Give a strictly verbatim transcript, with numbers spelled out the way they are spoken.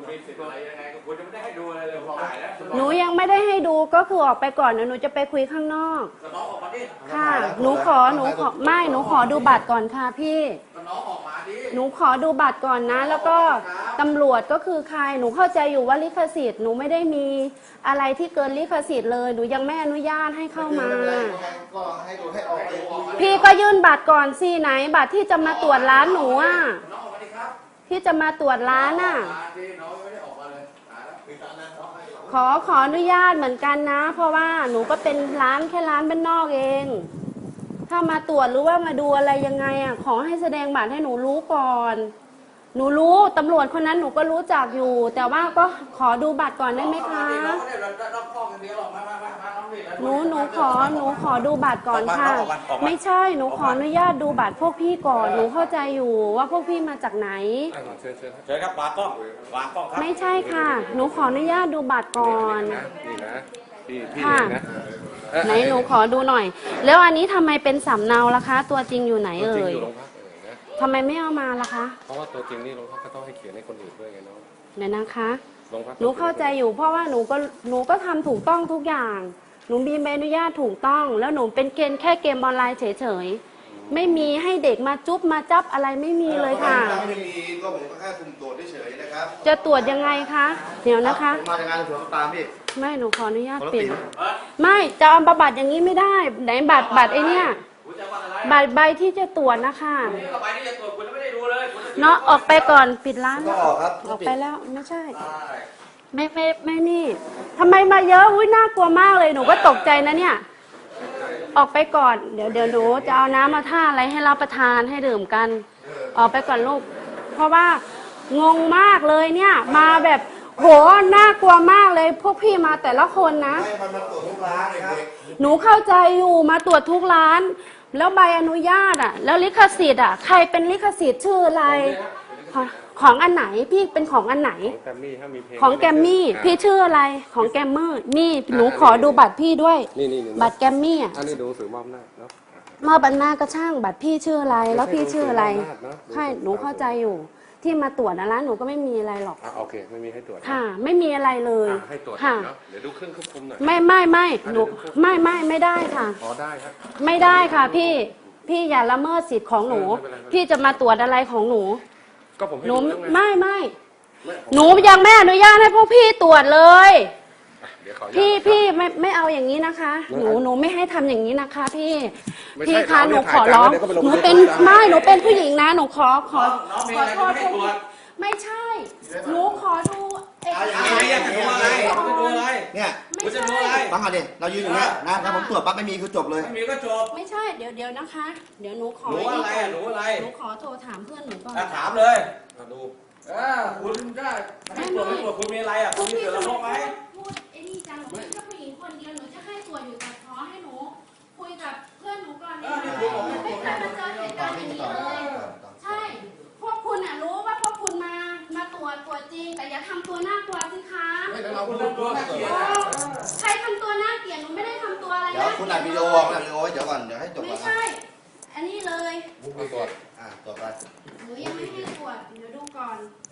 มีสิทธิ์อะไรยังไงก็คุณจะไม่ได้ให้ดูอะไรเลยถ่ายแล้วหนูยังไม่ได้ให้ดูก็คือออกไปก่อนหนูจะไปคุยข้างนอกน้องออกมาดิค่ะหนูขอหนูขอไม่หนูขอดูบัตรก่อนค่ะพี่น้องออกมาดิหนูขอดูบัตรก่อนนะแล้วก็ตำรวจก็คือใครหนูเข้าใจอยู่ว่าลิขสิทธิ์หนูไม่ได้มีอะไรที่เกินลิขสิทธิ์เลยหนูยังไม่อนุญาตให้เข้ามาพี่ก็ยื่นบัตรก่อนสิไหนบัตรที่จะมาตรวจร้านหนูอ่ะที่จะมาตรวจร้านอ่ะขอขออนุญาตเหมือนกันนะเพราะว่าหนูก็เป็นร้านแค่ร้านบ้านนอกเองถ้ามาตรวจหรือว่ามาดูอะไรยังไงอ่ะขอให้แสดงบัตรให้หนูรู้ก่อนหนูรู้ตำรวจคนนั้นหนูก็รู้จักอยู่แต่ว่าก็ขอดูบัตรก่อนได้ไหมคะหนูหนูขอหนูขอดูบัตรก่อนค่ะไม่ใช่หนูขออนุญาตดูบัตรพวกพี่ก่อนหนูเข้าใจอยู่ว่าพวกพี่มาจากไหนเชิญเชิญครับวางกล้องวางกล้องครับไม่ใช่ค่ะหนูขออนุญาตดูบัตรก่อนนี่นะพี่พี่นะไหนหนูขอดูหน่อยแล้วอันนี้ทำไมเป็นสำเนาล่ะคะตัวจริงอยู่ไหนเอ่ยทำไมไม่เอามาล่ะคะเพราะว่าตัวจริงนี่โรงพักก็ต้องให้เขียนให้คนอื่นด้วยไงน้องเดี๋ยวนะคะหนูเข้าใจอยู่เพราะว่าหนูก็หนูก็ทำถูกต้องทุกอย่างหนูมีใบอนุญาตถูกต้องแล้วหนูเป็นเกณฑ์แค่เกมออนไลน์เฉยๆไม่มีให้เด็กมาจุ๊บมาจับอะไรไม่มีเลยค่ะไม่มีก็ผมก็แค่สุ่มตรวจเฉยๆนะครับจะตรวจยังไงคะเดี๋ยวนะคะมาจากงานสวนตามพี่ไม่หนูขออนุญาตปิดไม่จะเอาบัตรอย่างนี้ไม่ได้ไหนบัตรบัตรไอเนี้ยบัตรใบที่จะตรวจนะคะใบที่จะตรวจคุณไม่ได้ดูเลยเนาะออกไปก่อนปิดร้านก็ออกครับออกไปแล้วไม่ใช่ไม่ไม่ไม่นี่ทำไมมาเยอะอุ้ยน่ากลัวมากเลยหนูก็ตกใจนะเนี่ยออกไปก่อนเดี๋ยวเดี๋ยวหนูจะเอาน้ำมาท่าอะไรให้รับประทานให้ดื่มกันออกไปก่อนลูกเพราะว่างงมากเลยเนี่ยมาแบบโหน่ากลัวมากเลยพวกพี่มาแต่ละคนนะหนูเข้าใจอยู่มาตรวจทุกร้านแล้วใบอนุญาตอ่ะแล้วลิขสิทธิ์อ่ะใครเป็นลิขสิทธิ์ชื่ออะไรของอันไหนพี่เป็นของอันไหนของแกมมี่พี่ชื่ออะไรของแกมเมอร์นี่หนูขอดูบัตรพี่ด้วยบัตรแกมมี่อ่ะอันนี้ดูสื่อมอบหน้าเนาะมอบอำนาจก็ช่างบัตรพี่ชื่ออะไรแล้วพี่ชื่ออะไรใช่หนูเข้าใจอยู่ที่มาตรวจนะร้านหนูก็ไม่มีอะไรหรอกอ่ะโอเคไม่มีให้ตรวจค่ะไม่มีอะไรเลยให้ตรวจเนาะเดี๋ยวดูเครื่องควบคุมหน่อยไม่ไม่ไม่หนูไม่ไม่ไม่ได้ค่ะอ๋อได้ครับไม่ได้ค่ะพี่พี่อย่าละเมิดสิทธิ์ของหนูพี่จะมาตรวจอะไรของหนูก็ผมหนูไม่ไม่หนูยังไม่อนุญาตให้พวกพี่ตรวจเลยพี่พี่ไม่ไม่เอาอย่างนี้นะคะหนูหนูไม่ให้ทำอย่างนี้นะคะพี่พี่คะหนูขอร้องหนูเป็นไม่หนูเป็นผู้หญิงนะหนูขอขอขอโทษไม่ใช่หนูขอดูเอกสารอยากจะดูอะไรดูอะไรเนี่ยคุณจะดูอะไรฟังก่อนดิเรายืนอยู่เนี่ยนะถ้าผมตรวจปั๊บไม่มีคือจบเลยไม่มีก็จบไม่ใช่เดี๋ยวเดี๋ยวนะคะเดี๋ยวหนูขอหนูอะไรหนูอะไรหนูขอโทรถามเพื่อนหนูก่อนถามเลยดูเออคุณได้ให้ตรวจไม่ตรวจคุณมีอะไรอ่ะคุณมีเดือดร้อนไหมพูดไอ้นี่จังหนูเป็นแค่ผู้หญิงคนเดียวหนูจะให้ตรวจอยู่แต่ขอให้หนูคุยกับเพื่อนหนูก่อนนี่ไม่เคยมาเจอเหตุการณ์อย่างนี้เลยใช่พวกคุณอ่ะรู้ว่าพวกคุณมามาตรวจตรวจจริงแต่อย่าทำตัวน่ากลัวสิคะใครทำตัวน่าเกลียดหนูไม่ได้ทำตัวอะไรนะเดี๋ยวคุณอัดวิดีโออัดวิดีโอเดี๋ยวก่อนเดี๋ยวให้จบก่อนไม่ใช่อันนี้เลยตรวจอ่าตรวจไปหนูยังไม่ให้ตรวจเดี๋ยวดูก่อน